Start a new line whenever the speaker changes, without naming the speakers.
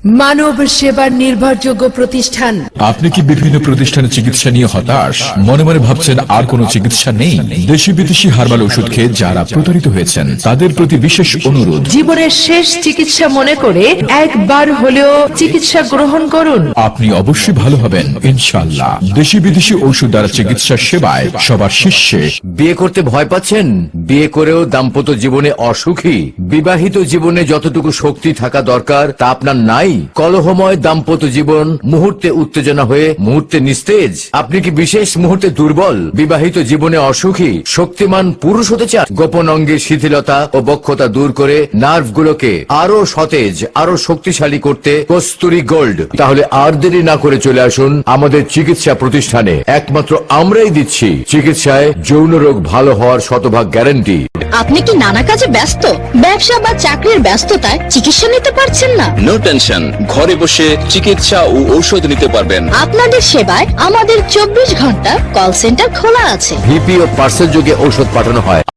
মানব সেবার নির্ভরযোগ্য প্রতিষ্ঠান।
আপনি কি বিভিন্ন প্রতিষ্ঠানে চিকিৎসা নিয়ে হতাশ, মনে মনে ভাবছেন আর কোনো চিকিৎসা নেই? দেশি বিদেশি হার্বাল ওষুধ খেয়ে যারা প্রতারিত হয়েছেন তাদের প্রতি বিশেষ অনুরোধ,
জীবনের শেষ চিকিৎসা মনে করে একবার হলেও চিকিৎসা গ্রহণ করুন।
আপনি অবশ্যই ভালো হবেন ইনশাআল্লাহ। দেশি বিদেশি ঔষধ দ্বারা চিকিৎসা সেবায় সবার শীর্ষে।
বিয়ে করতে ভয় পাচ্ছেন? বিয়ে করেও দাম্পত্য জীবনে অসুখী? বিবাহিত জীবনে যতটুকু শক্তি থাকা দরকার তা আপনার নাই? কলহময় দাম্পত্য জীবন মুহূর্তে উত্তেজনা হয়ে মুহূর্তে নিস্তেজ? আপনি কি বিশেষ মুহূর্তে দুর্বল? বিবাহিত জীবনে অসুখী? শক্তিমান পুরুষ হতে চান? গোপন অঙ্গের শিথিলতা ও বক্ষতা দূর করে নার্ভগুলোকে আরো সতেজ, আরো শক্তিশালী করতে কস্তুরী গোল্ড। তাহলে আর দেরি না করে চলে আসুন আমাদের চিকিৎসা প্রতিষ্ঠানে। একমাত্র আমরাই দিচ্ছি চিকিৎসায় যৌন রোগ ভালো হওয়ার শতভাগ গ্যারান্টি।
আপনি কি নানা কাজে ব্যস্ত? ব্যবসা বা চাকরির ব্যস্ততায় চিকিৎসা নিতে পারছেন না?
নো টেনশন, ঘরে বসে চিকিৎসা ও ঔষধ নিতে পারবেন।
আপনাদের সেবায় আমাদের 24 ঘন্টা কল সেন্টার খোলা আছে।
ভিপি ও পার্সেল যোগে ঔষধ পাঠানো হয়।